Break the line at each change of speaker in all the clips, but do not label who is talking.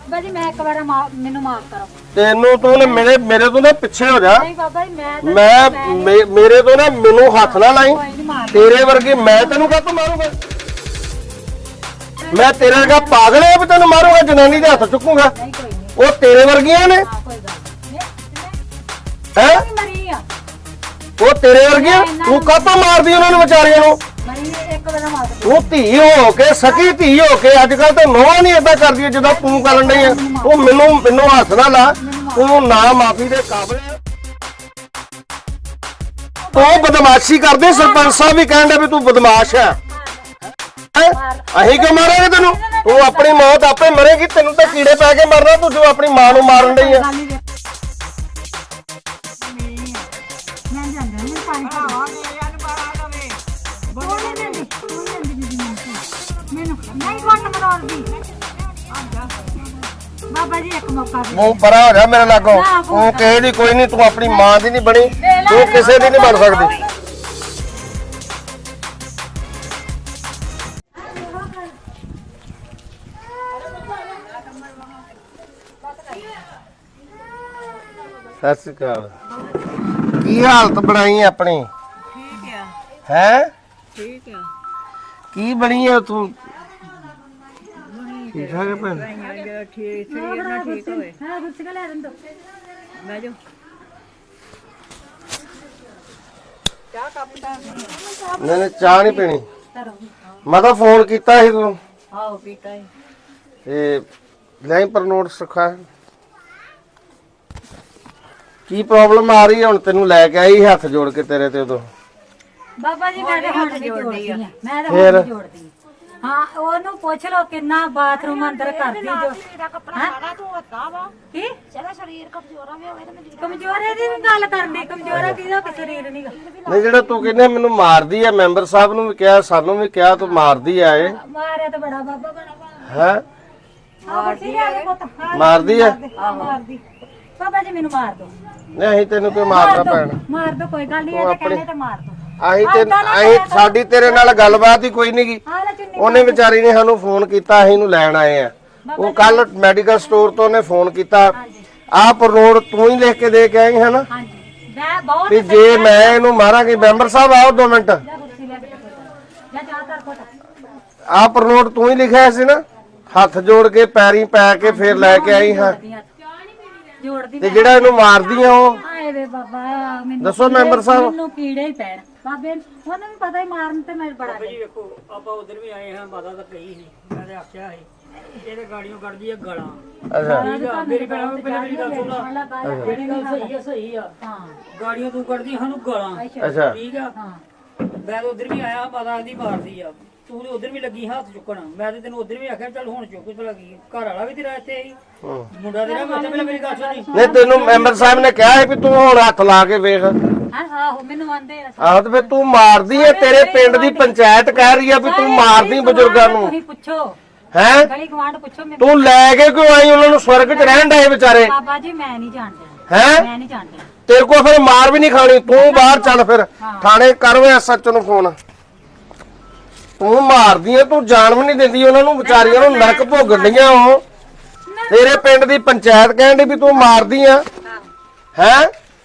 ਬਾਬਾ ਜੀ ਮੈਂ ਇੱਕ ਵਾਰ ਮੈਨੂੰ ਮਾਫ ਕਰੋ।
ਤੈਨੂੰ ਤੂੰ ਨੇ ਮੇਰੇ ਤੋਂ ਨਾ ਪਿੱਛੇ ਹੋ ਜਾ।
ਨਹੀਂ ਬਾਬਾ ਜੀ
ਮੈਂ ਮੇਰੇ ਤੋਂ ਨਾ ਮੈਨੂੰ ਹੱਥ ਨਾ ਲਾਈ। ਤੇਰੇ ਵਰਗੀ ਮੈਂ ਤੈਨੂੰ ਕਾਹਤੋਂ ਮਾਰੂੰਗਾ? ਮੈਂ ਤੇਰੇ ਵਰਗਾ ਪਾਗਲ ਹੈ ਵੀ ਤੈਨੂੰ ਮਾਰੂੰਗਾ? ਜਨਾਨੀ ਦੇ ਹੱਥ ਚੁੱਕੂਗਾ? ਉਹ ਤੇਰੇ ਵਰਗੀਆਂ ਨੇ ਹੈ? ਉਹ ਤੇਰੇ ਵਰਗੀਆਂ? ਤੂੰ ਕਾਹਤੋਂ ਮਾਰਦੀ ਉਹਨਾਂ ਨੂੰ ਵਿਚਾਰੀਆਂ ਨੂੰ? ਤੂੰ ਧੀ ਹੋ ਕੇ ਸਕੀ ਧੀ ਹੋ ਕੇ ਅੱਜ ਕੱਲ ਤਾਂ ਨੋਹਾਂ ਨਹੀਂ ਏਦਾਂ ਕਰਦੀਆਂ ਜਿੱਦਾਂ ਤੂੰ ਕਰਨ ਡਈ ਆ। ਤੂੰ ਮੈਨੂੰ ਹੱਥ ਨਾ ਲਾ। ਤੂੰ ਨਾ ਮਾਫੀ ਦੇ ਕਾਬਿਲ ਆ। ਤੂੰ ਬਦਮਾਸ਼ੀ ਕਰਦੇ। ਸਰਪੰਚ ਸਾਹਿਬ ਵੀ ਕਹਿੰਦੇ ਵੀ ਤੂੰ ਬਦਮਾਸ਼ ਹੈ। ਅਸੀਂ ਕਿਉਂ ਮਾਰਾਂਗੇ ਤੈਨੂੰ? ਤੂੰ ਆਪਣੀ ਮੌਤ ਆਪੇ ਮਰੇਗੀ। ਤੈਨੂੰ ਤਾਂ ਕੀੜੇ ਪੈ ਕੇ ਮਰਨਾ। ਤੂੰ ਜੋ ਆਪਣੀ ਮਾਂ ਨੂੰ ਮਾਰਨ ਡਈ ਆ।
ਬਾਬਾ ਜੀ ਇੱਕ ਮੌਕਾ ਦੇ।
ਮੂੰਹ ਪਰਾ ਹੋ ਜਾ ਮੇਰੇ ਲਾਗੋਂ। ਤੂੰ ਕਿਸੇ ਦੀ ਕੋਈ ਨਹੀਂ। ਤੂੰ ਆਪਣੀ ਮਾਂ ਦੀ ਨਹੀਂ ਬਣੀ। ਤੂੰ ਕਿਸੇ ਦੀ ਨਹੀਂ ਬਣ ਸਕਦੀ। ਸਤਿ ਸ਼੍ਰੀ ਅਕਾਲ। ਕੀ ਹਾਲਤ ਬਣਾਈ ਆਪਣੀ?
ਠੀਕ ਆ।
ਹੈ
ਠੀਕ ਆ।
ਕੀ ਬਣੀ ਆ ਤੂੰ? ਠੀਕ ਠਾਕ ਹੈ ਭੈਣ?
ਠੀਕ ਸਰੀਰ ਨਾ ਠੀਕ ਹੋਵੇ।
ਹਾਂ ਗੁੱਸੇ ਲੈ ਰੰਦੋ
ਮੈਂ ਜੋ ਚਾਹ ਕੱਪ ਦਾ
ਨਹੀਂ ਚਾਹ ਨਹੀਂ ਪੀਣੀ। ਮੈਂ ਤਾਂ ਫੋਨ ਕੀਤਾ ਸੀ ਤੂੰ
ਆਓ ਪੀਤਾ ਹੈ
ਤੇ ਲੈ ਪਰ ਨੋਟ ਸਿਖਾ। ਕੀ ਪ੍ਰੋਬਲਮ ਆ ਰਹੀ ਹੈ ਹੁਣ? ਤੈਨੂੰ ਲੈ ਕੇ ਆਈ ਹੱਥ ਜੋੜ ਕੇ ਤੇਰੇ ਤੇ ਉਦੋਂ।
ਬਾਬਾ ਜੀ ਮੈਂ ਤਾਂ ਹੱਥ ਜੋੜਦੀ ਆ। ਮੈਂ ਤਾਂ ਹੱਥ ਜੋੜਦੀ ਆ। ਹਾਂ ਉਹਨੂੰ ਪੁੱਛ ਲਓ ਕਿੰਨਾ ਬਾਥਰੂਮ ਅੰਦਰ ਕਰਦੀ ਜੋ। ਕੀ
ਚਲਾ ਸਰੀਰ ਕਮਜ਼ੋਰਾ ਵੀ ਹੋਵੇ ਤੇ
ਕਮਜ਼ੋਰੇ ਦੀ ਵੀ ਗੱਲ ਕਰਨੀ। ਕਮਜ਼ੋਰਾ ਕਿਹਦਾ ਕਿ ਸਰੀਰ ਨਹੀਂਗਾ।
ਨਹੀਂ ਜਿਹੜਾ ਤੂੰ ਕਹਿੰਦੇ ਮੈਨੂੰ ਮਾਰਦੀ ਆ। ਮੈਂਬਰ ਸਾਹਿਬ ਨੂੰ ਵੀ ਕਿਹਾ ਸਾਨੂੰ ਵੀ ਕਿਹਾ ਤੂੰ ਮਾਰਦੀ ਆ। ਇਹ
ਮਾਰਿਆ ਤਾਂ ਬੜਾ ਬਾਬਾ ਬੜਾ
ਹੈ
ਮਾਰਦੀ ਆ।
ਮਾਰਦੀ ਆ।
ਮਾਰਦੀ ਬਾਬਾ ਜੀ ਮੈਨੂੰ ਮਾਰ ਦੋ।
ਨਹੀਂ ਅਸੀਂ ਤੈਨੂੰ ਕੋਈ ਮਾਰਦਾ ਭੈਣ?
ਮਾਰ ਦੋ ਕੋਈ ਗੱਲ ਨਹੀਂ। ਇਹ ਕਹਿੰਦੇ ਤਾਂ ਮਾਰ ਦੋ।
ਅਸੀਂ ਸਾਡੀ ਤੇਰੇ ਨਾਲ ਗੱਲਬਾਤ ਹੀ ਕੋਈ ਨਹੀਂ ਗੀ। ਉਹਨੇ ਵਿਚਾਰੀ ਨੇ ਸਾਨੂੰ ਫੋਨ ਕੀਤਾ। ਅਸੀਂ ਇਹਨੂੰ ਲੈਣ ਆਏ ਆ। ਉਹ ਕੱਲ ਮੈਡੀਕਲ ਸਟੋਰ ਤੋਂ ਉਹਨੇ ਫੋਨ ਕੀਤਾ। ਆਹ ਪਰਨੋਡ ਤੂੰ ਹੀ ਲਿਖ ਕੇ ਦੇ ਕੇ ਆਈ ਹੈ ਨਾ ਵੀ ਜੇ ਮੈਂ ਇਹਨੂੰ ਮਾਰਾਂਗੀ। ਮੈਂਬਰ ਸਾਹਿਬ ਆਓ 2 ਮਿੰਟ। ਆਹ ਪਰਨੋਡ ਤੂੰ ਹੀ ਲਿਖਿਆ ਸੀ ਨਾ? ਹੱਥ ਜੋੜ ਕੇ ਪੈਰੀਂ ਪੈ ਕੇ ਫੇਰ ਲੈ ਕੇ ਆਈ ਹਾਂ। ਤੇ ਜਿਹੜਾ ਇਹਨੂੰ ਮਾਰਦੀ ਆ ਉਹ
ਆਏ ਵੇ ਬਾਬਾ ਮੈਨੂੰ
ਦੱਸੋ ਮੈਂਬਰ ਸਾਹਿਬ।
ਮੈਨੂੰ ਕੀੜੇ ਹੀ ਪੈਣ ਬਾਬੇ। ਉਹਨੂੰ ਵੀ ਪਤਾ ਹੀ ਮਾਰਨ ਤੇ ਮੈਂ ਬੜਾ
ਜੀ ਵੇਖੋ ਆਪਾਂ ਉਧਰ ਵੀ ਆਏ ਹਾਂ। ਮਾਤਾ ਤਾਂ ਕਹੀ ਸੀ। ਮੈਂ ਤੇ ਆਖਿਆ ਸੀ ਇਹਦੇ ਗਾੜੀਆਂ ਕੱਢਦੀ ਆ ਗਾਲਾਂ।
ਅੱਛਾ
ਮੇਰੀ ਭੈਣ ਨੂੰ ਪਹਿਲਾਂ ਮੇਰੀ ਗੱਲ ਸੁਣ ਲਾ। ਜਿਹੜੀ ਗੱਲ ਸਹੀ ਆ ਸਹੀ ਆ।
ਹਾਂ
ਗਾੜੀਆਂ ਤੂੰ ਕੱਢਦੀ ਸਾਨੂੰ ਗਾਲਾਂ।
ਅੱਛਾ
ਠੀਕ ਆ। ਮੈਂ ਤਾਂ ਉਧਰ ਵੀ ਆਇਆ। ਮਾਤਾ ਦੀ ਮਾਰਦੀ ਆ। ਤੂੰ ਤੇ ਉਧਰ ਵੀ ਲੱਗੀ ਹੱਥ ਚੁੱਕਣ। ਮੈਂ ਤੇ ਤੈਨੂੰ ਉਧਰ ਵੀ ਆਖਿਆ ਚੱਲ ਹੁਣ ਚੁੱਕ ਤੇ ਲੱਗੀ। ਘਰ ਵਾਲਾ ਵੀ ਤੇਰਾ ਇੱਥੇ ਆਈ। ਮੁੰਡਾ ਤੇਰਾ ਮੈਂ ਪਹਿਲਾਂ ਮੇਰੀ ਗੱਲ ਸੁਣੀ।
ਨਹੀਂ ਤੈਨੂੰ ਮੈਂਬਰ ਸਾਹਿਬ ਨੇ ਕਿਹਾ ਹੈ ਵੀ ਤੂੰ ਹੁਣ ਹੱਥ ਲਾ ਕੇ ਵੇਖ।
ਆਹੋ ਮੈਨੂੰ ਆਂਦੇ ਆ।
ਆਹੋ ਤੇ ਫਿਰ ਤੂੰ ਮਾਰਦੀ ਹੈ। ਤੇਰੇ ਪਿੰਡ ਦੀ ਪੰਚਾਇਤ ਕਹਿ ਰਹੀ ਆ ਵੀ ਤੂੰ ਮਾਰਦੀ ਬਜ਼ੁਰਗਾਂ ਨੂੰ।
ਤੁਸੀਂ ਪੁੱਛੋ
ਹੈ
ਗਲੀ ਗਵਾਂਢ ਪੁੱਛੋ ਮੈਨੂੰ।
ਤੂੰ ਲੈ ਕੇ ਕਿਉਂ ਆਈ ਉਹਨਾਂ ਨੂੰ? ਸਵਰਗ 'ਚ ਰਹਿਣ ਡਏ ਵਿਚਾਰੇ।
ਬਾਬਾ ਜੀ ਮੈਂ ਨਹੀਂ ਜਾਣਦਾ।
ਹੈ
ਮੈਂ ਨਹੀਂ ਜਾਣਦਾ।
ਤੇਰੇ ਕੋਲ ਫਿਰ ਮਾਰ ਵੀ ਨਹੀਂ ਖਾਣੀ। ਤੂੰ ਬਾਹਰ ਚੱਲ ਫਿਰ ਥਾਣੇ ਕਰ ਵੇ ਐਸਐਚ ਨੂੰ ਫੋਨ। ਤੂੰ ਮਾਰਦੀ ਐ। ਤੂੰ ਜਾਣ ਵੀ ਨਹੀਂ ਦਿੰਦੀ ਉਹਨਾਂ ਨੂੰ ਵਿਚਾਰੀਆਂ ਨੂੰ। ਨਰਕ ਭੋਗਣ ਡੀਆਂ ਉਹ। ਤੇਰੇ ਪਿੰਡ ਦੀ ਪੰਚਾਇਤ ਕਹਿੰਦੀ ਵੀ ਤੂੰ ਮਾਰਦੀ ਆ। ਹੈ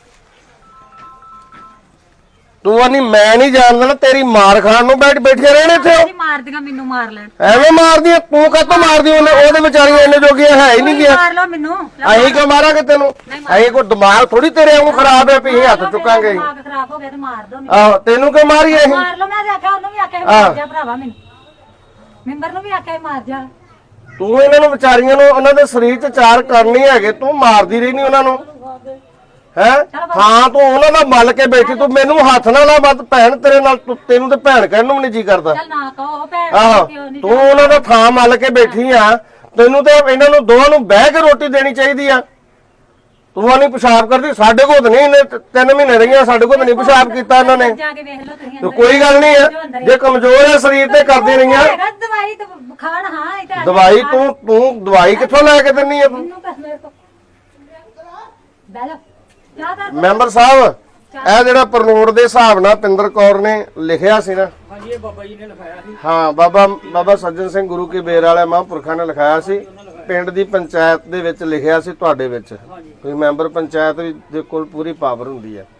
ਤੂੰ ਆਨੀ ਮੈਂ ਨਹੀਂ ਜਾਣਦਾ ਨਾ। ਤੇਰੀ ਮਾਰ ਖਾਣ ਨੂੰ ਬੈਠੇ ਰਹਿਣੇ ਇੱਥੇ।
ਜੀ ਮਾਰਦੀਆਂ ਮੈਨੂੰ ਮਾਰ ਲੈਣ।
ਐਵੇਂ ਮਾਰਦੀ ਆ ਤੂੰ? ਕਾਹਤੋਂ ਮਾਰਦੀ? ਉਹਦੇ ਵਿਚਾਰੀਆਂ ਇੰਨੇ ਜੋਗੀਆਂ ਹੈ ਹੀ ਨਹੀਂ ਗਿਆ।
ਮਾਰ ਲਓ ਮੈਨੂੰ।
ਅਸੀਂ ਕਿਉਂ ਮਾਰਾਂਗੇ ਤੈਨੂੰ? ਅਸੀਂ ਕੋਈ ਦਿਮਾਗ ਥੋੜੀ ਤੇਰੇ ਵਾਂਗੂ ਖਰਾਬ ਹੈ ਵੀ ਅਸੀਂ ਹੱਥ ਚੁੱਕਾਂਗੇ।
ਦਿਮਾਗ ਖਰਾਬ ਹੋ ਗਿਆ ਤੇ ਮਾਰ ਦੋ ਮੈਨੂੰ।
ਆਹੋ ਤੈਨੂੰ ਕਿਉਂ ਮਾਰੀਏ ਅਸੀਂ?
ਮਾਰ ਲਓ। ਮੈਂ ਆਖਿਆ ਉਹਨੂੰ ਵੀ ਆਖਿਆ ਮਾਰ ਜਾ ਭਰਾਵਾ ਮੈਨੂੰ। ਮੈਂਬਰ ਨੂੰ ਵੀ ਆਖਿਆ ਮਾਰ ਜਾ।
ਤੂੰ ਇਹਨਾਂ ਨੂੰ ਵਿਚਾਰੀਆਂ ਨੂੰ ਉਹਨਾਂ ਦੇ ਸਰੀਰ 'ਚ ਚਾਰ ਕਰਨੇ ਹੈਗੇ। ਤੂੰ ਮਾਰਦੀ ਰਹੀ ਨਹੀਂ ਉਹਨਾਂ ਨੂੰ। ਹੈ ਹਾਂ ਤੂੰ ਉਹਨਾਂ ਦਾ ਮੱਲ ਕੇ ਬੈਠੀ। ਤੂੰ ਮੈਨੂੰ ਹੱਥ ਨਾ ਲਾ। ਮਤ ਭੈਣ ਤੇਰੇ ਨਾਲ ਤੈਨੂੰ ਤੇ ਭੈਣ ਕਹਿਣ ਨੂੰ ਵੀ ਨਹੀਂ ਜੀ ਕਰਦਾ।
ਚੱਲ ਨਾ ਕਹੋ ਭੈਣ।
ਆਹੋ ਤੂੰ ਉਹਨਾਂ ਦਾ ਥਾਂ ਮੱਲ ਕੇ ਬੈਠੀ ਆ। ਤੈਨੂੰ ਤੇ ਇਹਨਾਂ ਨੂੰ ਦੋਵਾਂ ਨੂੰ ਬਹਿ ਕੇ ਰੋਟੀ ਦੇਣੀ ਚਾਹੀਦੀ ਆ। ਤੂੰ ਨਹੀਂ ਪਿਸ਼ਾਬ ਕਰਦੀ। ਸਾਡੇ ਕੋਲ ਨਹੀਂ। ਇਹਨੇ 3 ਮਹੀਨੇ ਰਹੀਆਂ ਸਾਡੇ ਕੋਲ ਨਹੀਂ ਪਿਸ਼ਾਬ ਕੀਤਾ ਇਹਨਾਂ ਨੇ।
ਜਾ ਕੇ ਵੇਖ ਲਓ ਤੁਸੀਂ।
ਤੇ ਕੋਈ ਗੱਲ ਨਹੀਂ ਆ। ਜੇ ਕਮਜ਼ੋਰ ਹੈ ਸਰੀਰ ਤੇ ਕਰਦੀ ਰਹੀਆਂ।
ਦਵਾਈ ਤੇ ਖਾਣ। ਹਾਂ ਇਹ ਤਾਂ
ਦਵਾਈ ਤੂੰ ਦਵਾਈ ਕਿੱਥੋਂ ਲੈ ਕੇ ਦਿੰਨੀ ਆ ਤੂੰ?
ਮੈਨੂੰ ਕਸ ਮੇਰੇ ਕੋ ਬਹਿ ਜਾ।
ਮੈਂਬਰ ਸਾਹਿਬ ਇਹ ਜਿਹੜਾ ਪਰਨੋਡ ਦੇ ਹਿਸਾਬ ਨਾਲ ਪਿੰਦਰ ਕੌਰ ਨੇ ਲਿਖਿਆ ਸੀ ਨਾ?
ਹਾਂਜੀ ਇਹ ਬਾਬਾ ਜੀ ਨੇ ਲਿਖਾਇਆ ਸੀ।
ਹਾਂ ਬਾਬਾ ਸੱਜਣ ਸਿੰਘ ਗੁਰੂ ਕੀ ਬੇਰ ਵਾਲੇ ਮਹਾਂਪੁਰਖਾਂ ਨੇ ਲਿਖਾਇਆ ਸੀ। ਪਿੰਡ ਦੀ ਪੰਚਾਇਤ ਦੇ ਵਿੱਚ ਲਿਖਿਆ ਸੀ ਤੁਹਾਡੇ ਵਿੱਚ ਕੋਈ ਮੈਂਬਰ ਪੰਚਾਇਤ ਦੇ ਕੋਲ ਪੂਰੀ ਪਾਵਰ ਹੁੰਦੀ ਹੈ।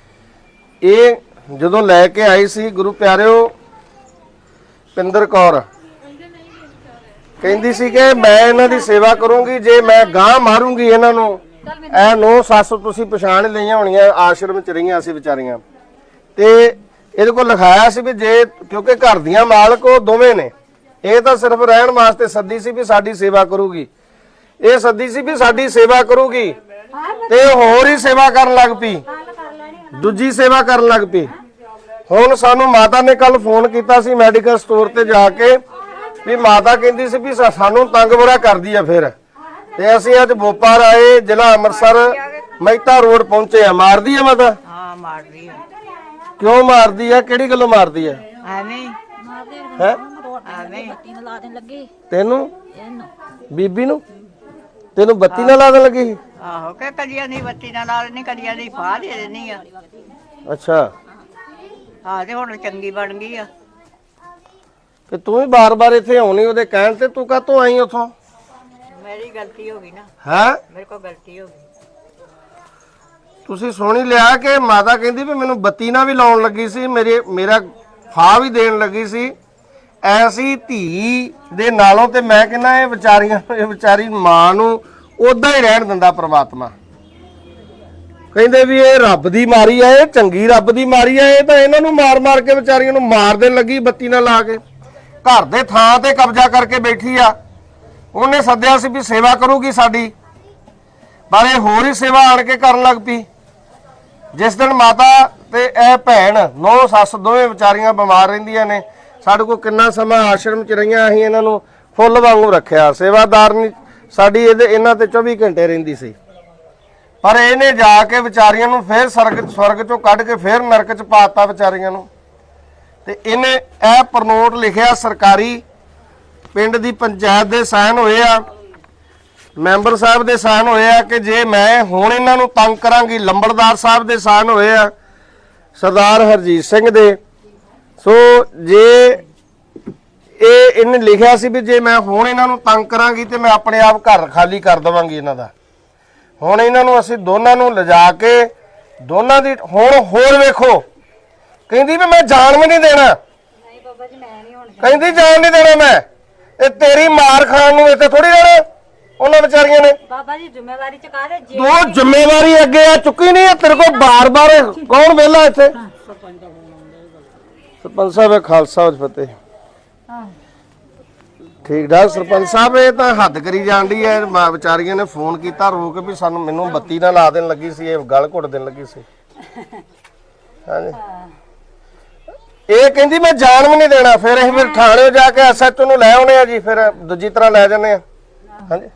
ਇਹ ਜਦੋਂ ਲੈ ਕੇ ਆਈ ਸੀ ਗੁਰੂ ਪਿਆਰਿਓ ਪਿੰਦਰ ਕੌਰ ਕਹਿੰਦੀ ਸੀ ਕਿ ਮੈਂ ਇਹਨਾਂ ਦੀ ਸੇਵਾ ਕਰੂੰਗੀ, ਜੇ ਮੈਂ ਗਾਂ ਮਾਰੂੰਗੀ ਇਹਨਾਂ ਨੂੰ। ਇਹ 9 ਸੱਸ ਤੁਸੀਂ ਪਛਾਣ ਲਈਆਂ ਹੋਣੀਆਂ, ਆਸ਼ਰਮ ਚ ਰਹੀਆਂ ਸੀ ਵਿਚਾਰੀਆਂ। ਤੇ ਇਹਦੇ ਕੋਲ ਲਿਖਾਇਆ ਸੀ ਵੀ ਜੇ ਕਿਉਂਕਿ ਘਰ ਦੀਆਂ ਮਾਲਕ ਉਹ ਦੋਵੇਂ ਨੇ, ਇਹ ਤਾਂ ਸਿਰਫ ਰਹਿਣ ਵਾਸਤੇ ਸੱਦੀ ਸੀ ਵੀ ਸਾਡੀ ਸੇਵਾ ਕਰੂਗੀ, ਇਹ ਸੱਦੀ ਸੀ ਵੀ ਸਾਡੀ ਸੇਵਾ ਕਰੂਗੀ ਤੇ ਹੋਰ ਹੀ ਸੇਵਾ ਕਰਨ ਲੱਗ ਪਈ, ਦੂਜੀ ਸੇਵਾ ਕਰਨ ਲੱਗ ਪਈ। ਹੁਣ ਸਾਨੂੰ ਮਾਤਾ ਨੇ ਕੱਲ ਫੋਨ ਕੀਤਾ ਸੀ ਮੈਡੀਕਲ ਸਟੋਰ ਤੇ ਜਾ ਕੇ ਵੀ ਮਾਤਾ ਕਹਿੰਦੀ ਸੀ ਵੀ ਸਾਨੂੰ ਤੰਗ ਬੁਰਾ ਕਰਦੀ ਆ। ਫਿਰ ਤੇ ਅਸੀਂ ਅੱਜ ਬੋਪਾਰ ਆਏ, ਜ਼ਿਲ੍ਹਾ ਅੰਮ੍ਰਿਤਸਰ ਮਹਿਤਾ ਰੋਡ ਪਹੁੰਚੇ ਆ। ਮਾਰਦੀ ਆ ਮਾਤਾ?
ਹਾਂ ਮਾਰਦੀ ਆ।
ਕਿਉਂ ਮਾਰਦੀ ਆ? ਕਿਹੜੀ ਗੱਲੋਂ ਮਾਰਦੀ ਆ?
ਐਵੇਂ
ਹੈ
ਐਵੇਂ
ਬੱਤੀ ਨੂੰ ਲਾ ਦੇਣ ਲੱਗੀ
ਤੈਨੂੰ
ਇਹਨੂੰ
ਬੀਬੀ ਨੂੰ ਤੈਨੂੰ ਬੱਤੀ ਨਾਲ ਲਾ ਦੇਣ ਲੱਗੀ ਸੀ?
ਆਹੋ ਕਿ ਕਦੀਆਂ ਦੀ ਬੱਤੀ ਨਾਲ ਲਾ ਲੈਣੀ, ਕਦੀਆਂ ਦੀ ਫਾਹ ਦੇ ਦੇਣੀ ਆ।
ਅੱਛਾ
ਹਾਂ ਤੇ ਹੁਣ ਚੰਗੀ ਬਣ ਗਈ ਆ।
ਤੇ ਤੂੰ ਵੀ ਬਾਰ-ਬਾਰ ਇੱਥੇ ਆਉਣੀ ਉਹਦੇ ਕਹਿਣ ਤੇ, ਤੂੰ ਕਾਹਤੋਂ ਆਈ ਉੱਥੋਂ?
ਮੇਰੀ ਗਲਤੀ ਹੋ ਗਈ ਨਾ,
ਹੈ
ਮੇਰੇ ਕੋਲ ਗਲਤੀ ਹੋ ਗਈ।
ਤੁਸੀਂ ਸੁਣ ਹੀ ਲਿਆ ਕਿ ਮਾਤਾ ਕਹਿੰਦੀ ਵੀ ਮੈਨੂੰ ਬੱਤੀ ਨਾਲ ਵੀ ਲਾਉਣ ਲੱਗੀ ਸੀ, ਮੇਰਾ ਫਾਹ ਵੀ ਦੇਣ ਲੱਗੀ ਸੀ। ਐਸੀ ਧੀ ਦੇ ਨਾਲੋਂ ਤੇ ਮੈਂ ਕਹਿੰਦਾ ਇਹ ਵਿਚਾਰੀ ਮਾਂ ਨੂੰ ਉਦਾਂ ਹੀ ਰਹਿਣ ਦਿੰਦਾ ਪ੍ਰਮਾਤਮਾ। ਕਹਿੰਦੇ ਵੀ ਇਹ ਰੱਬ ਦੀ ਮਾਰੀ ਆ, ਇਹ ਚੰਗੀ ਰੱਬ ਦੀ ਮਾਰੀ ਆ, ਇਹ ਤਾਂ ਇਹਨਾਂ ਨੂੰ ਮਾਰ-ਮਾਰ ਕੇ ਵਿਚਾਰੀਆਂ ਨੂੰ ਮਾਰ ਦੇਣ ਲੱਗੀ ਬੱਤੀ ਨਾਲ ਲਾ ਕੇ। ਘਰ ਦੇ ਥਾਂ ਤੇ ਕਬਜ਼ਾ ਕਰਕੇ ਬੈਠੀ ਆ। ਉਹਨੇ ਸੱਦਿਆ ਸੀ ਵੀ ਸੇਵਾ ਕਰੂਗੀ ਸਾਡੀ, ਪਰ ਇਹ ਹੋਰ ਹੀ ਸੇਵਾ ਆਣ ਕੇ ਕਰਨ ਲੱਗ ਪਈ। ਜਿਸ ਦਿਨ ਮਾਤਾ ਤੇ ਇਹ ਭੈਣ 9 ਸੱਸ ਦੋਵੇਂ ਵਿਚਾਰੀਆਂ ਬਿਮਾਰ ਰਹਿੰਦੀਆਂ ਨੇ, ਸਾਡੇ ਕੋਲ ਕਿੰਨਾ ਸਮਾਂ ਆਸ਼ਰਮ 'ਚ ਰਹੀਆਂ, ਅਸੀਂ ਇਹਨਾਂ ਨੂੰ ਫੁੱਲ ਵਾਂਗੂ ਰੱਖਿਆ। ਸੇਵਾਦਾਰ ਨਹੀਂ ਸਾਡੀ ਇਹਨਾਂ ਤੇ 24 ਘੰਟੇ ਰਹਿੰਦੀ ਸੀ, ਪਰ ਇਹਨੇ ਜਾ ਕੇ ਵਿਚਾਰੀਆਂ ਨੂੰ ਫੇਰ ਸਵਰਗ 'ਚੋਂ ਕੱਢ ਕੇ ਫੇਰ ਨਰਕ 'ਚ ਪਾਤਾ ਵਿਚਾਰੀਆਂ ਨੂੰ। ਤੇ ਇਹਨੇ ਇਹ ਪ੍ਰਨੋਟ ਲਿਖਿਆ ਸਰਕਾਰੀ, ਪਿੰਡ ਦੀ ਪੰਚਾਇਤ ਦੇ ਸਾਈਨ ਹੋਏ ਆ, ਮੈਂਬਰ ਸਾਹਿਬ ਦੇ ਸਾਈਨ ਹੋਏ ਆ ਕਿ ਜੇ ਮੈਂ ਹੁਣ ਇਹਨਾਂ ਨੂੰ ਤੰਗ ਕਰਾਂਗੀ। ਲੰਬੜਦਾਰ ਸਾਹਿਬ ਦੇ ਸਾਈਨ ਹੋਏ ਆ, ਸਰਦਾਰ ਹਰਜੀਤ ਸਿੰਘ ਦੇ। ਸੋ ਜੇ ਇਹਨੇ ਲਿਖਿਆ ਸੀ ਵੀ ਜੇ ਮੈਂ ਹੁਣ ਇਹਨਾਂ ਨੂੰ ਤੰਗ ਕਰਾਂਗੀ ਤੇ ਮੈਂ ਆਪਣੇ ਆਪ ਘਰ ਖਾਲੀ ਕਰ ਦੇਵਾਂਗੀ ਇਹਨਾਂ ਦਾ। ਹੁਣ ਇਹਨਾਂ ਨੂੰ ਅਸੀਂ ਦੋਨਾਂ ਨੂੰ ਲਿਜਾ ਕੇ ਦੋਨਾਂ ਦੀ ਹੁਣ ਹੋਰ ਵੇਖੋ, ਕਹਿੰਦੀ ਵੀ ਮੈਂ ਜਾਣ ਵੀ ਨਹੀਂ ਦੇਣਾ।
ਨਹੀਂ ਬਾਬਾ ਜੀ ਮੈਂ ਨਹੀਂ ਹੁਣ
ਕਹਿੰਦੀ ਜਾਣ ਨਹੀਂ ਦੇਣਾ ਮੈਂ, ਇਹ ਤੇਰੀ ਮਾਰ ਖਾਣ ਨੂੰ ਇੱਥੇ ਥੋੜੀ ਰਹਿਣਾ ਉਹਨਾਂ ਵਿਚਾਰੀਆਂ ਨੇ।
ਬਾਬਾ ਜੀ ਜ਼ਿੰਮੇਵਾਰੀ ਚੁਕਾ ਦੇ ਜੇ
ਤੂੰ ਜ਼ਿੰਮੇਵਾਰੀ ਅੱਗੇ ਆ ਚੁੱਕੀ ਨਹੀਂ, ਤੇਰੇ ਕੋਲ ਬਾਰ-ਬਾਰ ਕੌਣ ਵਿਹਲਾ ਇੱਥੇ? ਸਰਪੰਚ ਸਾਹਿਬ ਖਾਲਸਾ ਫਤਿਹ। ਠੀਕ ਠਾਕ ਸਰਪੰਚ ਸਾਹਿਬ, ਇਹ ਤਾਂ ਹੱਦ ਕਰੀ ਜਾਂਦੀ ਹੈ। ਵਿਚਾਰੀਆਂ ਨੇ ਫੋਨ ਕੀਤਾ ਰੋ ਕੇ ਵੀ ਮੈਨੂੰ ਬੱਤੀ ਨਾਲ ਲਾ ਦੇਣ ਲੱਗੀ ਸੀ, ਇਹ ਗਲ ਘੁੱਟ ਦੇਣ ਲੱਗੀ ਸੀ। ਹਾਂਜੀ ਇਹ ਕਹਿੰਦੀ ਮੈਂ ਜਾਣ ਵੀ ਨਹੀਂ ਦੇਣਾ। ਫਿਰ ਅਸੀਂ ਫਿਰ ਥਾਣੇ ਜਾ ਕੇ ਐਸਐਚਓ ਨੂੰ ਲੈ ਆਉਣੇ ਆ ਜੀ, ਫਿਰ ਦੂਜੀ ਤਰ੍ਹਾਂ ਲੈ ਜਾਂਦੇ ਆ। ਹਾਂਜੀ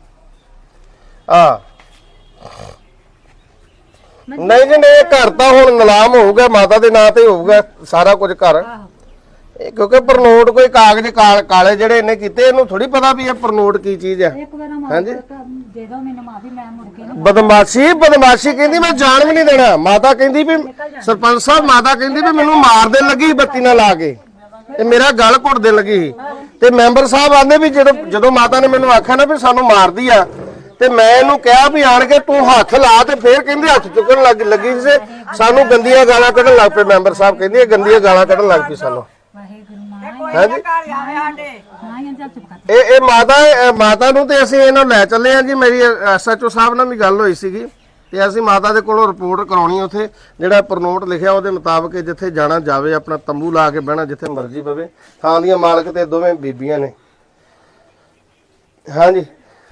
ਨਹੀਂ ਜੀ ਨਹੀਂ, ਘਰ ਤਾਂ ਹੁਣ ਨਿਲਾਮ ਹੋਊਗਾ, ਮਾਤਾ ਦੇ ਨਾਂ ਤੇ ਹੋਊਗਾ ਸਾਰਾ ਕੁਝ ਘਰ। ਕਿਉਂਕਿ ਪ੍ਰਨੋਟ ਕੋਈ ਕਾਗਜ਼ ਕਾਲੇ ਜਿਹੜੇ ਇਹਨੇ ਕੀਤੇ, ਇਹਨੂੰ ਥੋੜੀ ਪਤਾ ਵੀ ਇਹ ਪ੍ਰਨੋਟ ਕੀ ਚੀਜ਼ ਹੈ।
ਇੱਕ ਵਾਰ ਮਾਫੀ ਦੇ ਦੋ ਮੈਨੂੰ, ਮਾਫੀ ਮੈਂ ਮੁੜ ਕੇ ਨਾ
ਬਦਮਾਸ਼ੀ ਕਹਿੰਦੀ ਮੈਂ ਜਾਣ ਵੀ ਨਹੀਂ ਦੇਣਾ। ਮਾਤਾ ਕਹਿੰਦੀ ਵੀ ਸਰਪੰਚ ਸਾਹਿਬ, ਮਾਤਾ ਕਹਿੰਦੀ ਵੀ ਮੈਨੂੰ ਮਾਰ ਦੇਣ ਲੱਗੀ ਬੱਤੀ ਨਾਲ ਲਾ ਕੇ, ਤੇ ਮੇਰਾ ਗਲ ਘੁੱਟ ਦੇਣ ਲੱਗੀ ਸੀ। ਤੇ ਮੈਂਬਰ ਸਾਹਿਬ ਆਂਦੇ ਵੀ ਜਦੋਂ ਮਾਤਾ ਨੇ ਮੈਨੂੰ ਆਖਿਆ ਨਾ ਵੀ ਸਾਨੂੰ ਮਾਰਦੀ ਆ, ਤੇ ਮੈਂ ਇਹਨੂੰ ਕਿਹਾ ਵੀ ਆਣ ਕੇ ਤੂੰ ਹੱਥ ਲਾ, ਤੇ ਫੇਰ ਕਹਿੰਦੇ ਹੱਥ ਚੁੱਕਣ ਲੱਗੀ ਸੀ। ਸਾਨੂੰ ਗੰਦੀਆਂ ਗਾਲਾਂ ਕੱਢਣ ਲੱਗ ਪਏ। ਮੈਂਬਰ ਸਾਹਿਬ ਕਹਿੰਦੀ ਇਹ ਗੰਦੀਆਂ ਗਾਲਾਂ ਕੱਢਣ ਲੱਗ ਪਈ ਸਾਨੂੰ। ਹਾਂਜੀ ਇਹ ਮਾਤਾ ਨੂੰ ਤੇ ਅਸੀਂ ਇਹਨਾਂ ਲੈ ਚੱਲੇ ਆ ਜੀ। ਮੇਰੀ ਐਸਐਚਓ ਸਾਹਿਬ ਨਾਲ ਵੀ ਗੱਲ ਹੋਈ ਸੀਗੀ, ਤੇ ਅਸੀਂ ਮਾਤਾ ਦੇ ਕੋਲੋਂ ਰਿਪੋਰਟ ਕਰਾਉਣੀ, ਉੱਥੇ ਜਿਹੜਾ ਪ੍ਰਨੋਟ ਲਿਖਿਆ ਉਹਦੇ ਮੁਤਾਬਕ ਜਿੱਥੇ ਜਾਣਾ ਜਾਵੇ, ਆਪਣਾ ਤੰਬੂ ਲਾ ਕੇ ਬਹਿਣਾ ਜਿੱਥੇ ਮਰਜ਼ੀ ਪਵੇ। ਥਾਂ ਦੀਆਂ ਮਾਲਕ ਤੇ ਦੋਵੇਂ ਬੀਬੀਆਂ ਨੇ। ਹਾਂਜੀ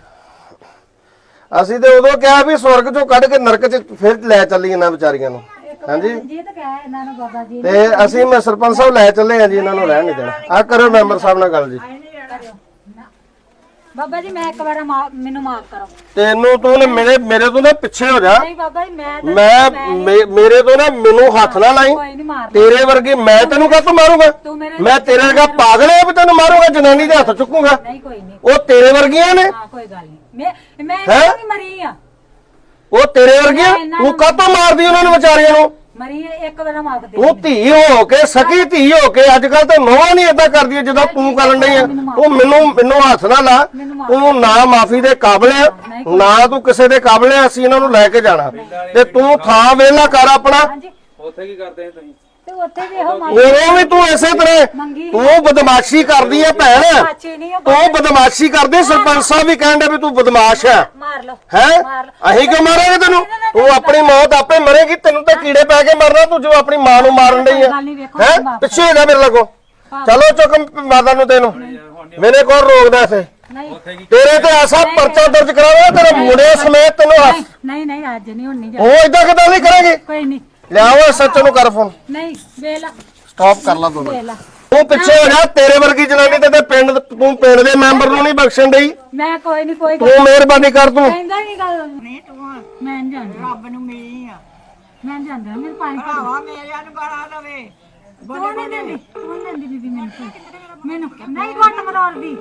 ਅਸੀਂ ਤੇ ਉਦੋਂ ਕਿਹਾ ਵੀ ਸਵਰਗ ਚੋਂ ਕੱਢ ਕੇ ਨਰਕ 'ਚ ਫਿਰ ਲੈ ਚੱਲੀ ਇਹਨਾਂ ਵਿਚਾਰੀਆਂ ਨੂੰ। ਹਾਂਜੀ
ਜੀ ਤਾਂ ਕਹਿ ਇਹਨਾਂ ਨੂੰ ਬਾਬਾ ਜੀ
ਤੇ ਅਸੀਂ ਮੈਂ ਸਰਪੰਚ ਸਾਹਿਬ ਲੈ ਚੱਲੇ ਆ ਜੀ, ਇਹਨਾਂ ਨੂੰ ਰਹਿਣ ਨਹੀਂ ਦੇਣਾ। ਆ ਕਰੋ ਮੈਂਬਰ ਸਾਹਿਬ ਨਾਲ ਗੱਲ ਜੀ।
ਬਾਬਾ ਜੀ ਮੈਂ ਇੱਕ ਵਾਰ ਮੈਨੂੰ ਮਾਫ ਕਰੋ।
ਤੈਨੂੰ ਤੂੰ ਮੇਰੇ ਤੋਂ ਨਾ ਪਿੱਛੇ ਹੋ ਜਾ।
ਨਹੀਂ ਬਾਬਾ ਜੀ
ਮੇਰੇ ਤੋਂ ਨਾ ਮੈਨੂੰ ਹੱਥ ਨਾ ਲਾਈ।
ਕੋਈ ਨਹੀਂ ਮਾਰ
ਤੇਰੇ ਵਰਗੇ ਮੈਂ ਤੈਨੂੰ ਕਾਹਤੋਂ ਮਾਰੂੰਗਾ? ਮੈਂ ਤੇਰੇ ਵਰਗਾ ਪਾਗਲ ਹੈ ਵੀ ਤੈਨੂੰ ਮਾਰੂੰਗਾ, ਜਨਾਨੀ ਦੇ ਹੱਥ ਚੁੱਕੂਗਾ?
ਨਹੀਂ ਕੋਈ ਨਹੀਂ,
ਉਹ ਤੇਰੇ ਵਰਗੀਆਂ ਨੇ।
ਹਾਂ ਕੋਈ ਗੱਲ ਨਹੀਂ, ਮੈਂ ਨਹੀਂ ਮਰੀ ਆ।
ਉਹ ਤੇਰੇ ਵਰਗੀਆਂ, ਤੂੰ ਕਾਹਤੋਂ ਮਾਰਦੀ ਉਹਨਾਂ ਨੂੰ ਵਿਚਾਰੀਆਂ ਨੂੰ?
ਮਰੀ ਇੱਕ ਵਾਰ ਮਾਫ ਦੇ
ਤੂੰ ਧੀ ਹੋ ਕੇ ਸਕੀ ਧੀ ਹੋ ਕੇ ਅੱਜ ਕੱਲ ਤਾਂ ਨੋਹਾਂ ਨਹੀਂ ਏਦਾਂ ਕਰਦੀ ਜਦੋਂ ਤੂੰ ਕਰਨ ਡਈ ਆ। ਤੂੰ ਮੈਨੂੰ ਹੱਥ ਨਾ ਲਾ। ਤੂੰ ਨਾ ਮਾਫੀ ਦੇ ਕਾਬਲ ਆ ਨਾ ਤੂੰ ਕਿਸੇ ਦੇ ਕਾਬਲ ਆ। ਅਸੀਂ ਇਹਨਾਂ ਨੂੰ ਲੈ ਕੇ ਜਾਣਾ ਤੇ ਤੂੰ ਥਾਂ ਵੇਲਾ ਕਰ ਆਪਣਾ।
ਉੱਥੇ ਕੀ ਕਰਦੇ ਤੁਸੀਂ?
ਤੇ ਉੱਥੇ ਵੀ ਇਹੋ
ਉਹ ਵੀ ਤੂੰ ਇਸੇ ਤਰ੍ਹਾਂ ਤੂੰ ਬਦਮਾਸ਼ੀ ਕਰਦੀ ਹੈ ਭੈਣ।
ਮਾਚੀ ਨਹੀਂ ਉਹ
ਤੂੰ ਬਦਮਾਸ਼ੀ ਕਰਦੀ। ਸਰਪੰਚ ਸਾਹਿਬ ਵੀ ਕਹਿੰਦੇ ਵੀ ਤੂੰ ਬਦਮਾਸ਼ ਹੈ।
ਮਾਰ ਲਓ
ਹੈ ਅਸੀਂ ਕਿਉਂ ਮਾਰਾਂਗੇ ਤੈਨੂੰ? ਤੂੰ ਆਪਣੀ ਮੌਤ ਆਪੇ ਮਰੇਗੀ। ਤੈਨੂੰ ਤਾਂ ਕੀੜੇ ਪੈ ਕੇ ਮਰਨਾ। ਤੂੰ ਜੋ ਆਪਣੀ ਮਾਂ ਨੂੰ ਮਾਰਨ ਡਈ ਹੈ ਪਿੱਛੇ ਹੋ ਜਾ ਮੇਰੇ ਲੱਗੋ। ਚਲੋ ਚੁੱਕ ਮਾਤਾ ਨੂੰ ਤੈਨੂੰ ਮੈਨੇ ਕੌਣ ਰੋਕਦਾ ਇੱਥੇ? ਤੇਰੇ ਤੇ ਐਸਾ ਪਰਚਾ ਦਰਜ ਕਰਾਵਾ ਤੇਰੇ ਮੁੰਡੇ ਸਮੇਤ ਤੈਨੂੰ
ਨਹੀਂ ਨਹੀਂ ਅੱਜ ਨਹੀਂ ਹੁਣ ਨਹੀਂ ਜਾ
ਉਹ ਇਦਾਂ ਕਿਦਾਂ ਨਹੀਂ ਕਰਾਂਗੇ।
ਕੋਈ ਨਹੀਂ
ਲਿਆਓ ਸੱਚ ਨੂੰ ਕਰ ਫੋਨ।
ਨਹੀਂ ਵੇਲਾ
ਸਟਾਪ ਕਰ ਲਾ ਤੂੰ।
ਵੇਲਾ
ਤੂੰ ਪਿੱਛੇ ਹੋ ਜਾ। ਤੇਰੇ ਵਰਗੀ ਜਨਾਨੀ ਤੇ ਪਿੰਡ ਤੂੰ ਪਿੰਡ ਦੇ ਮੈਂਬਰ ਨੂੰ ਨਹੀਂ ਬਖਸ਼ਣ ਡਈ।
ਮੈਂ ਕੋਈ ਨਹੀਂ ਕੋਈ
ਤੂੰ ਮਿਹਰਬਾਨੀ ਕਰ ਤੂੰ।
ਕਹਿੰਦਾ ਨਹੀਂ ਗੱਲ
ਨਹੀਂ ਤੂੰ
ਮੈਂ ਨਹੀਂ ਜਾਂਦੀ
ਰੱਬ ਨੂੰ ਮਿਲੀ ਆ।
ਮੈਂ ਨਹੀਂ ਜਾਂਦੀ ਮੇਰੇ ਪਾਣੀ
ਭਰਾਵਾ ਮੇਰਿਆਂ ਨੂੰ ਗਾਲਾਂ ਦਵੇ।
ਤੂੰ ਨਹੀਂ ਦਿੰਦੀ ਤੂੰ ਨਹੀਂ ਦਿੰਦੀ ਬੀਬੀ ਮੈਨੂੰ ਨਹੀਂ ਘੁੱਟ ਮਰੋੜਦੀ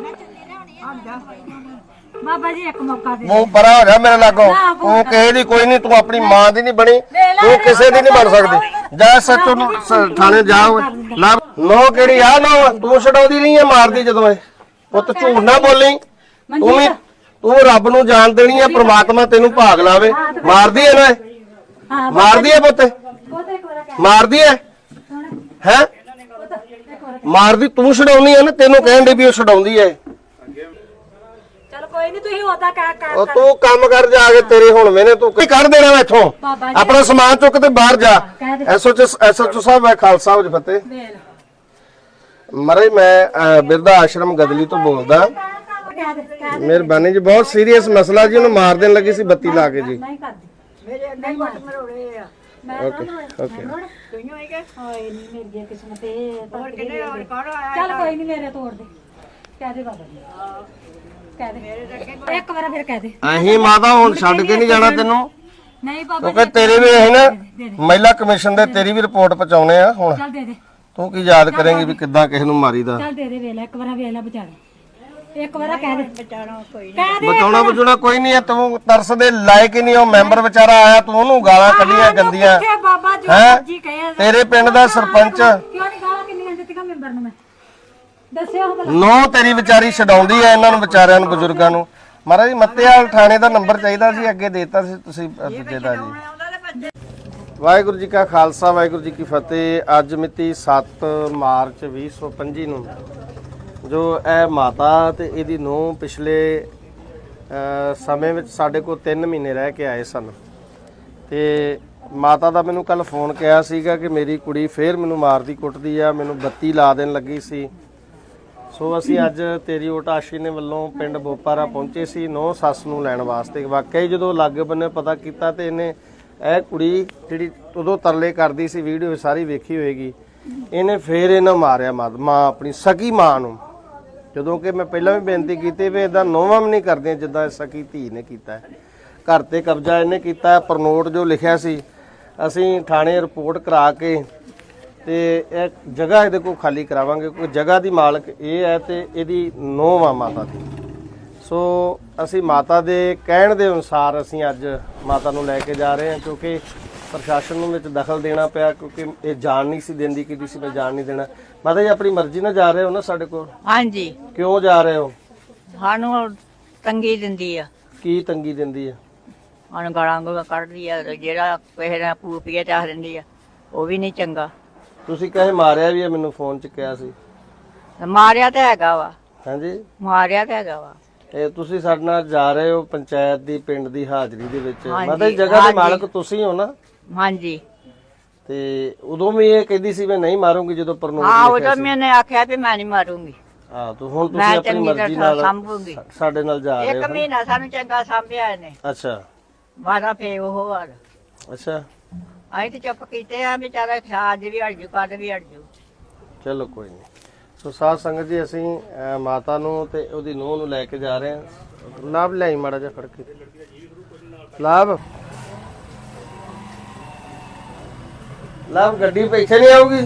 ਬਾਬਾ ਜੀ ਇੱਕ ਮੌਕਾ ਦੇ
ਮੂੰਹ ਪਰਾ ਹੋ ਜਾ ਮੇਰੇ ਲਾਗੋਂ। ਤੂੰ ਕਿਸੇ ਦੀ ਕੋਈ ਨਹੀਂ। ਤੂੰ ਆਪਣੀ ਮਾਂ ਦੀ ਨਹੀਂ ਬਣੀ। ਤੂੰ ਕਿਸੇ ਦੀ ਨਹੀਂ ਬਣ ਸਕਦੀ। ਜਾ ਸੱਚੋ ਨੂੰ ਥਾਣੇ ਜਾ ਲਾ। ਨੋ ਕਿਹੜੀ ਆ ਨੋ? ਤੂੰ ਛਡਾਉਂਦੀ ਨਹੀਂ ਹੈ ਮਾਰਦੀ ਜਦੋਂ ਇਹ ਪੁੱਤ ਝੂਠ ਨਾ ਬੋਲੀ। ਤੂੰ ਵੀ ਤੂੰ ਰੱਬ ਨੂੰ ਜਾਣ ਦੇਣੀ ਹੈ। ਪ੍ਰਮਾਤਮਾ ਤੈਨੂੰ ਭਾਗ ਲਾਵੇ। ਮਾਰਦੀ ਹੈ ਨਾ
ਹਾਂ
ਮਾਰਦੀ ਹੈ ਪੁੱਤ
ਉਹ ਤੇ ਇੱਕ ਵਾਰ ਕਹਿ
ਮਾਰਦੀ ਹੈ ਹੈ ਮਾਰਦੀ ਤੂੰ ਛਡਾਉਣੀ ਹੈ ਨਾ। ਤੈਨੂੰ ਕਹਿਣ ਦੇ ਵੀ ਉਹ ਛਡਾਉਂਦੀ ਹੈ।
ਚਲ ਕੋਈ ਨਹੀਂ ਤੁਸੀਂ ਉਹਦਾ ਕਹਿ
ਉਹ ਤੂੰ ਕੰਮ ਕਰ ਜਾ ਕੇ ਤੇਰੇ ਹੁਣ ਮੈਨੇ ਤੂੰ ਕੀ ਕੱਢ ਦੇਣਾ ਇੱਥੋਂ।
ਬਾਬਾ ਜੀ
ਆਪਣਾ ਸਮਾਨ ਚੁੱਕ ਤੇ ਬਾਹਰ ਜਾ।
ਕਹਿ ਦੇ
ਐਸਓਚਓ ਸਾਹਿਬ ਹੈ ਖਾਲਸਾ ਹੋ ਫਤਿਹ।
ਵੇਲ
ਮਰੇ ਮੈਂ ਬਿਰਧਾ ਆਸ਼ਰਮ ਗਦਲੀ ਤੋਂ ਬੋਲਦਾ।
ਕਹਿ ਦੇ
ਮਿਹਰਬਾਨੀ ਜੀ। ਬਹੁਤ ਸੀਰੀਅਸ ਮਸਲਾ ਜੀ। ਉਹਨੂੰ ਮਾਰ ਦੇਣ ਲੱਗੀ ਸੀ ਬੱਤੀ ਲਾ ਕੇ ਜੀ।
ਨਹੀਂ ਕਰਦੀ
ਮੇਰੇ ਅੱਗੇ ਵੱਟ ਮਰੋੜੇ ਆ।
ਓਕੇ ਓਕੇ
ਤੂੰ ਹੀ ਕਿ
ਹਾਏ ਨਹੀਂ ਮੇਰੀ ਕਿਸਮਤ ਇਹ
ਹੋਰ ਕਿੰਨੇ ਹੋਰ ਕੌਣ ਆਇਆ?
ਚੱਲ ਕੋਈ ਨਹੀਂ ਮੇਰੇ ਤੋੜ ਦੇ ਕਹਿ ਦੇ ਬਾਬਾ ਜੀ ਕਹਿ ਦੇ ਇੱਕ ਵਾਰ ਫਿਰ ਕਹਿ ਦੇ
ਅਹੀਂ ਮਾਤਾ ਹੁਣ ਛੱਡ ਕੇ ਨਹੀਂ ਜਾਣਾ ਤੈਨੂੰ।
ਨਹੀਂ ਬਾਬਾ
ਕਿਉਂਕਿ ਤੇਰੇ ਵੀ ਅਸੀਂ ਨਾ ਮਹਿਲਾ ਕਮਿਸ਼ਨ ਦੇ ਤੇਰੀ ਵੀ ਰਿਪੋਰਟ ਪਹੁੰਚਾਉਣੇ ਆ ਹੁਣ।
ਚੱਲ ਦੇ ਦੇ
ਤੂੰ ਕੀ ਯਾਦ ਕਰੇਂਗੀ ਵੀ ਕਿੱਦਾਂ ਕਿਸੇ ਨੂੰ ਮਾਰੀਦਾ?
ਚੱਲ ਦੇ ਦੇ ਵੇਲਾ ਇੱਕ ਵਾਰ ਵੇਲਾ ਬਚਾਣਾ ਇੱਕ ਵਾਰ ਕਹਿ ਦੇ
ਬਚਾਣਾ ਕੋਈ
ਕਹਿ ਦੇ
ਬਚਾਉਣਾ ਬਚਾਉਣਾ ਕੋਈ ਨਹੀਂ ਹੈ। ਤੂੰ ਤਰਸ ਦੇ ਲਾਇਕ ਹੀ ਨਹੀਂ। ਉਹ ਮੈਂਬਰ ਵਿਚਾਰਾ ਆਇਆ ਤੂੰ ਉਹਨੂੰ ਗਾਲਾਂ ਕੱਢੀਆਂ ਗੰਦੀਆਂ।
ਕਿੱਥੇ ਬਾਬਾ ਜੋ
ਹੈਂ?
ਮਰਜੀ ਕਹੇ
ਤੇਰੇ ਪਿੰਡ ਦਾ ਸਰਪੰਚ
ਕਿਉਂ ਨਹੀਂ ਗਾਲਾਂ ਕਿੰਨੀਆਂ ਦਿੱਤੀਆਂ ਮੈਂਬਰ ਨੂੰ ਮੈਂ ਦੱਸਿਓ ਭਲਾ
ਨੋ ਤੇਰੀ ਵਿਚਾਰੀ ਛਡਾਉਂਦੀ ਐ ਇਹਨਾਂ ਨੂੰ ਵਿਚਾਰਿਆਂ ਨੂੰ ਬਜ਼ੁਰਗਾਂ ਨੂੰ। ਮਹਾਰਾਜ ਮੱਤੇਵਾਲ ਥਾਣੇ ਦਾ ਨੰਬਰ ਚਾਹੀਦਾ ਸੀ ਅੱਗੇ ਦੇਤਾ ਸੀ ਤੁਸੀਂ ਦੂਜੇ ਦਾ ਜੀ। ਵਾਹਿਗੁਰੂ ਜੀ ਕਾ ਖਾਲਸਾ ਵਾਹਿਗੁਰੂ ਜੀ ਕੀ ਫਤਿਹ। ਅੱਜ ਮਿਤੀ 7 ਮਾਰਚ 2025 ਨੂੰ ਜੋ ਇਹ ਮਾਤਾ ਤੇ ਇਹਦੀ ਨੂੰਹ ਪਿਛਲੇ ਸਮੇਂ ਵਿੱਚ ਸਾਡੇ ਕੋਲ 3 ਮਹੀਨੇ ਰਹਿ ਕੇ ਆਏ ਸਨ ਤੇ ਮਾਤਾ ਦਾ ਮੈਨੂੰ ਕੱਲ ਫੋਨ ਕਿਹਾ ਸੀਗਾ ਕਿ ਮੇਰੀ ਕੁੜੀ ਫੇਰ ਮੈਨੂੰ ਮਾਰਦੀ ਕੁੱਟਦੀ ਆ, ਮੈਨੂੰ ਬੱਤੀ ਲਾ ਦੇਣ ਲੱਗੀ ਸੀ। ਸੋ ਅਸੀਂ ਅੱਜ ਤੇਰੀ ਓਟਾਸ਼ੀ ਨੇ ਵੱਲੋਂ ਪਿੰਡ ਬੋਪਾਰਾ ਪਹੁੰਚੇ ਸੀ ਨੌ ਸੱਸ ਨੂੰ ਲੈਣ ਵਾਸਤੇ। ਵਾਕਈ ਜਦੋਂ ਲਾਗੇ ਬੰਨੇ ਪਤਾ ਕੀਤਾ ਤੇ ਇਹਨੇ ਇਹ ਕੁੜੀ ਜਿਹੜੀ ਉਦੋਂ ਤਰਲੇ ਕਰਦੀ ਸੀ, ਵੀਡੀਓ ਸਾਰੀ ਵੇਖੀ ਹੋਏਗੀ, ਇਹਨੇ ਫੇਰ ਇਹਨਾਂ ਮਾਰਿਆ ਮਾਂ ਆਪਣੀ ਸਕੀ ਮਾਂ ਨੂੰ। ਜਦੋਂ ਕਿ ਮੈਂ ਪਹਿਲਾਂ ਵੀ ਬੇਨਤੀ ਕੀਤੀ ਵੀ ਇਦਾਂ ਨੋਵਾਂ ਵੀ ਨਹੀਂ ਕਰਦੀਆਂ ਜਿੱਦਾਂ ਸਕੀ ਧੀ ਨੇ ਕੀਤਾ ਹੈ। ਘਰ ਤੇ ਕਬਜ਼ਾ ਇਹਨੇ ਕੀਤਾ। ਪਰਨੋਟ ਜੋ ਲਿਖਿਆ ਸੀ ਅਸੀਂ ਥਾਣੇ ਰਿਪੋਰਟ ਕਰਾ ਕੇ ਤੇ ਇਹ ਜਗ੍ਹਾ ਇਹਦੇ ਕੋਲ ਖਾਲੀ ਕਰਾਵਾਂਗੇ। ਕੋਈ ਜਗ੍ਹਾ ਦੀ ਮਾਲਕ ਇਹ ਹੈ ਤੇ ਇਹਦੀ ਨੂੰਹ ਆ ਮਾਤਾ ਦੀ। ਸੋ ਅਸੀਂ ਮਾਤਾ ਦੇ ਕਹਿਣ ਦੇ ਅਨੁਸਾਰ ਅਸੀਂ ਅੱਜ ਮਾਤਾ ਨੂੰ ਲੈ ਕੇ ਜਾ ਰਹੇ ਹਾਂ, ਕਿਉਂਕਿ ਪ੍ਰਸ਼ਾਸਨ ਨੂੰ ਵਿੱਚ ਦਖਲ ਦੇਣਾ ਪਿਆ ਕਿਉਂਕਿ ਇਹ ਜਾਣ ਨਹੀਂ ਸੀ ਦਿੰਦੀ ਕਿ ਸੀ ਮੈਂ ਜਾਣ ਨਹੀਂ ਦੇਣਾ। ਮਾਤਾ ਜੀ ਆਪਣੀ ਮਰਜ਼ੀ ਨਾਲ ਜਾ ਰਹੇ ਹੋ ਨਾ ਸਾਡੇ ਕੋਲ?
ਹਾਂਜੀ।
ਕਿਉਂ ਜਾ ਰਹੇ ਹੋ?
ਸਾਨੂੰ ਤੰਗੀ ਦਿੰਦੀ ਆ।
ਕੀ ਤੰਗੀ ਦਿੰਦੀ ਹੈ?
ਸਾਨੂੰ ਗਾਲਾਂ ਕੱਢਦੀ ਆ। ਜਿਹੜਾ ਕਿਸੇ ਦਾ ਪੂਪੀਆ ਚਾਹ ਦਿੰਦੀ ਆ ਉਹ ਵੀ ਨਹੀਂ ਚੰਗਾ।
ਤੁਸੀਂ ਕਹੇ ਮਾਰਿਆ ਵੀ ਹੈ, ਮੈਨੂੰ ਫੋਨ 'ਚ ਕਿਹਾ ਸੀ।
ਮਾਰਿਆ ਤਾਂ ਹੈਗਾ ਵਾ।
ਹਾਂਜੀ
ਮਾਰਿਆ ਤਾਂ ਹੈਗਾ ਵਾ।
ਇਹ ਤੁਸੀਂ ਸਾਡੇ ਨਾਲ ਜਾ ਰਹੇ ਹੋ ਪੰਚਾਇਤ ਦੀ ਪਿੰਡ ਦੀ ਹਾਜ਼ਰੀ ਦੇ ਵਿੱਚ।
ਹਾਂਜੀ,
ਮਾਤਾ ਜੀ ਜਗ੍ਹਾ ਦੇ ਮਾਲਕ ਤੁਸੀਂ ਹੋ ਨਾ?
ਹਾਂਜੀ।
ਤੇ ਉਦੋਂ ਵੀ ਇਹ ਕਹਿੰਦੀ ਸੀ ਮੈਂ ਨਹੀਂ ਮਾਰੂੰਗੀ ਜਦੋਂ ਪਰਨੋਟ
ਹਾਂ
ਲਿਖਿਆ
ਉਦੋਂ
ਸੀ।
ਮੈਨੇ ਆਖਿਆ ਵੀ ਮੈਂ ਨਹੀਂ ਮਾਰੂੰਗੀ।
ਹਾਂ ਤੂੰ ਹੁਣ ਤੁਸੀਂ
ਮੈਂ
ਆਪਣੀ
ਚੰਗੀ
ਮਰਜ਼ੀ
ਤਰ੍ਹਾਂ
ਨਾਲ
ਸੰਭੂਗੀ।
ਸਾਡੇ ਨਾਲ ਜਾ ਰਹੇ
ਇੱਕ
ਹੋ।
ਮਹੀਨਾ ਸਾਨੂੰ ਚੰਗਾ ਸੰਭਿਆ ਇਹਨੇ।
ਅੱਛਾ
ਮਾਰਾ ਫੇ ਉਹ ਹਾਲ।
ਅੱਛਾ
ਅਸੀਂ ਤੇ ਚੁੱਪ ਕੀਤੇ ਆ ਵਿਚਾਰਾ ਖਾਜ ਵੀ ਹਟ ਜੂ ਕੱਢ ਵੀ ਹਟ ਜੂ।
ਚਲੋ ਕੋਈ ਨਹੀਂ। ਸੋ ਸਾਧ ਸੰਗਤ ਜੀ ਅਸੀਂ ਮਾਤਾ ਨੂੰ ਤੇ ਉਹਦੀ ਨੂੰਹ ਨੂੰ ਲੈ ਕੇ ਜਾ ਰਹੇ ਹਾਂ। ਲਾਭ ਲਿਆਈ ਮਾੜਾ ਜਿਹਾ ਫੜ ਕੇ। ਲਾਭ ਗੱਡੀ ਪਿੱਛੇ ਨਹੀਂ ਆਊਗੀ?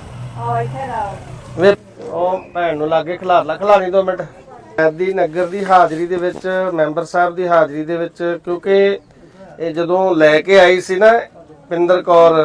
ਵੇ ਉਹ ਭੈਣ ਨੂੰ ਲਾਗੇ ਖਿਲਾਣੀ 2 ਮਿੰਟ। ਦੀ ਨਗਰ ਦੀ ਹਾਜ਼ਰੀ ਦੇ ਵਿੱਚ, ਮੈਂਬਰ ਸਾਹਿਬ ਦੀ ਹਾਜ਼ਰੀ ਦੇ ਵਿੱਚ, ਕਿਉਂਕਿ ਇਹ ਜਦੋਂ ਲੈ ਕੇ ਆਈ ਸੀ ਨਾ ਪਿੰਦਰ ਕੌਰ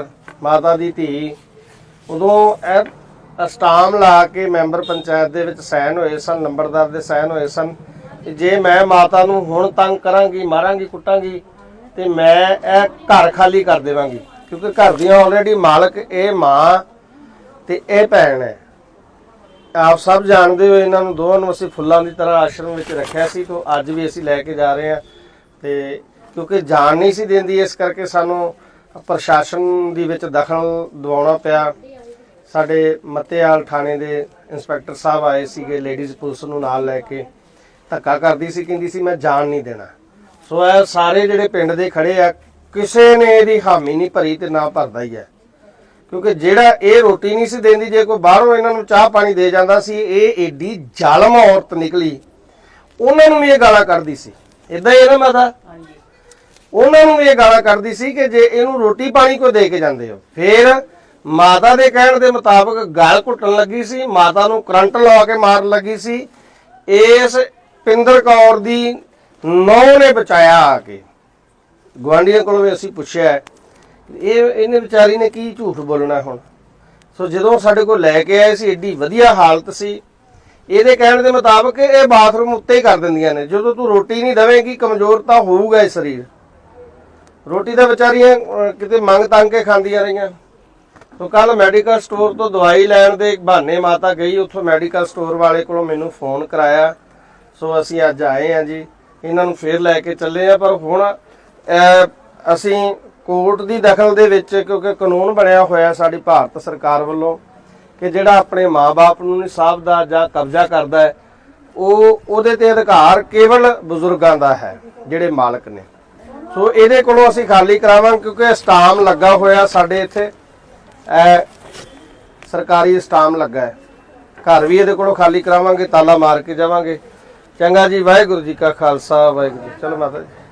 ਮਾਤਾ ਦੀ ਧੀ ਉਦੋਂ ਇਹ ਸਟਾਮ ਲਾ ਕੇ ਮੈਂਬਰ ਪੰਚਾਇਤ ਦੇ ਵਿੱਚ ਸਾਈਨ ਹੋਏ ਸਨ, ਨੰਬਰਦਾਰ ਦੇ ਸਾਈਨ ਹੋਏ ਸਨ ਕਿ ਜੇ ਮੈਂ ਮਾਤਾ ਨੂੰ ਹੁਣ ਤੰਗ ਕਰਾਂਗੀ, ਮਾਰਾਂਗੀ, ਕੁੱਟਾਂਗੀ ਤੇ ਮੈਂ ਇਹ ਘਰ ਖਾਲੀ ਕਰ ਦੇਵਾਂਗੀ, ਕਿਉਂਕਿ ਘਰ ਦੀਆਂ ਆਲਰੇਡੀ ਮਾਲਕ ਇਹ ਮਾਂ ਤੇ ਇਹ ਭੈਣ ਹੈ। ਆਪ ਸਭ ਜਾਣਦੇ ਹੋ ਇਹਨਾਂ ਨੂੰ ਦੋਵਾਂ ਨੂੰ ਅਸੀਂ ਫੁੱਲਾਂ ਦੀ ਤਰ੍ਹਾਂ ਆਸ਼ਰਮ ਵਿੱਚ ਰੱਖਿਆ ਸੀ, ਤੋਂ ਅੱਜ ਵੀ ਅਸੀਂ ਲੈ ਕੇ ਜਾ ਰਹੇ ਹਾਂ। ਤੇ ਕਿਉਂਕਿ ਜਾਣ ਨਹੀਂ ਸੀ ਦਿੰਦੀ, ਇਸ ਕਰਕੇ ਸਾਨੂੰ ਪ੍ਰਸ਼ਾਸਨ ਦੀ ਵਿੱਚ ਦਖਲ ਦਿਵਾਉਣਾ ਪਿਆ। ਸਾਡੇ ਮੱਤੇਵਾਲ ਥਾਣੇ ਦੇ ਇੰਸਪੈਕਟਰ ਸਾਹਿਬ ਆਏ ਸੀਗੇ, ਲੇਡੀਜ਼ ਪੁਲਿਸ ਨੂੰ ਨਾਲ ਲੈ ਕੇ ਧੱਕਾ ਕਰਦੀ ਸੀ, ਕਹਿੰਦੀ ਸੀ ਮੈਂ ਜਾਣ ਨਹੀਂ ਦੇਣਾ। ਸੋ ਇਹ ਸਾਰੇ ਜਿਹੜੇ ਪਿੰਡ ਦੇ ਖੜੇ ਆ, ਕਿਸੇ ਨੇ ਇਹਦੀ ਹਾਮੀ ਨਹੀਂ ਭਰੀ ਤੇ ਨਾ ਭਰਦਾ ਹੀ ਹੈ, ਕਿਉਂਕਿ ਜਿਹੜਾ ਇਹ ਰੋਟੀ ਨਹੀਂ ਸੀ ਦਿੰਦੀ, ਜੇ ਕੋਈ ਬਾਹਰੋਂ ਇਹਨਾਂ ਨੂੰ ਚਾਹ ਪਾਣੀ ਦੇ ਜਾਂਦਾ ਸੀ, ਇਹ ਏਡੀ ਜ਼ਾਲਮ ਔਰਤ ਨਿਕਲੀ, ਉਹਨਾਂ ਨੂੰ ਵੀ ਇਹ ਗਾਲਾਂ ਕੱਢਦੀ ਸੀ। ਇਦਾਂ ਹੀ ਹੈ ਨਾ ਮਾਤਾ, ਉਹਨਾਂ ਨੂੰ ਵੀ ਇਹ ਗਾਲਾਂ ਕੱਢਦੀ ਸੀ ਕਿ ਜੇ ਇਹਨੂੰ ਰੋਟੀ ਪਾਣੀ ਕੋਈ ਦੇ ਕੇ ਜਾਂਦੇ ਹੋ। ਫਿਰ ਮਾਤਾ ਦੇ ਕਹਿਣ ਦੇ ਮੁਤਾਬਕ ਗਲ ਘੁੱਟਣ ਲੱਗੀ ਸੀ, ਮਾਤਾ ਨੂੰ ਕਰੰਟ ਲਾ ਕੇ ਮਾਰਨ ਲੱਗੀ ਸੀ। ਇਸ ਪਿੰਦਰ ਕੌਰ ਦੀ ਨੌਂ ਨੇ ਬਚਾਇਆ ਆ ਕੇ। ਗੁਆਂਢੀਆਂ ਕੋਲੋਂ ਵੀ ਅਸੀਂ ਪੁੱਛਿਆ, ਇਹਨੇ ਵਿਚਾਰੀ ਨੇ ਕੀ ਝੂਠ ਬੋਲਣਾ ਹੁਣ। ਸੋ ਜਦੋਂ ਸਾਡੇ ਕੋਲ ਲੈ ਕੇ ਆਏ ਸੀ, ਏਡੀ ਵਧੀਆ ਹਾਲਤ ਸੀ। ਇਹਦੇ ਕਹਿਣ ਦੇ ਮੁਤਾਬਕ ਇਹ ਬਾਥਰੂਮ ਉੱਤੇ ਹੀ ਕਰ ਦਿੰਦੀਆਂ ਨੇ। ਜਦੋਂ ਤੂੰ ਰੋਟੀ ਨਹੀਂ ਦੇਵੇਂਗੀ, ਕਮਜ਼ੋਰ ਤਾਂ ਹੋਊਗਾ ਇਹ ਸਰੀਰ। ਰੋਟੀ ਤਾਂ ਵਿਚਾਰੀਆਂ ਕਿਤੇ ਮੰਗ ਤੰਗ ਕੇ ਖਾਂਦੀਆਂ ਰਹੀਆਂ। ਸੋ ਕੱਲ ਮੈਡੀਕਲ ਸਟੋਰ ਤੋਂ ਦਵਾਈ ਲੈਣ ਦੇ ਬਹਾਨੇ ਮਾਤਾ ਗਈ, ਉੱਥੋਂ ਮੈਡੀਕਲ ਸਟੋਰ ਵਾਲੇ ਕੋਲੋਂ ਮੈਨੂੰ ਫੋਨ ਕਰਾਇਆ। ਸੋ ਅਸੀਂ ਅੱਜ ਆਏ ਹਾਂ ਜੀ, ਇਹਨਾਂ ਨੂੰ ਫੇਰ ਲੈ ਕੇ ਚੱਲੇ ਆ। ਪਰ ਹੁਣ ਅਸੀਂ ਕੋਰਟ ਦੀ ਦਖਲ ਦੇ ਵਿੱਚ, ਕਿਉਂਕਿ ਕਾਨੂੰਨ ਬਣਿਆ ਹੋਇਆ ਸਾਡੀ ਭਾਰਤ ਸਰਕਾਰ ਵੱਲੋਂ ਕਿ ਜਿਹੜਾ ਆਪਣੇ ਮਾਂ-ਬਾਪ ਨੂੰ ਨਹੀਂ ਸਾਂਭਦਾ ਜਾਂ ਕਬਜ਼ਾ ਕਰਦਾ ਹੈ, ਉਹਦੇ ਤੇ ਅਧਿਕਾਰ ਕੇਵਲ ਬਜ਼ੁਰਗਾਂ ਦਾ ਹੈ, ਜਿਹੜੇ ਮਾਲਕ ਨੇ। ਸੋ ਇਹਦੇ ਕੋਲੋਂ ਅਸੀਂ ਖਾਲੀ ਕਰਾਵਾਂਗੇ, ਕਿਉਂਕਿ ਸਟਾਮ ਲੱਗਾ ਹੋਇਆ ਸਾਡੇ ਇੱਥੇ, ਸਰਕਾਰੀ ਸਟਾਮ ਲੱਗਾ ਹੈ। ਘਰ ਵੀ ਇਹਦੇ ਕੋਲੋਂ ਖਾਲੀ ਕਰਾਵਾਂਗੇ, ਤਾਲਾ ਮਾਰ ਕੇ ਜਾਵਾਂਗੇ। ਚੰਗਾ ਜੀ, ਵਾਹਿਗੁਰੂ ਜੀ ਕਾ ਖਾਲਸਾ, ਵਾਹਿਗੁਰੂ ਜੀ। ਚਲੋ ਮਾਤਾ ਜੀ।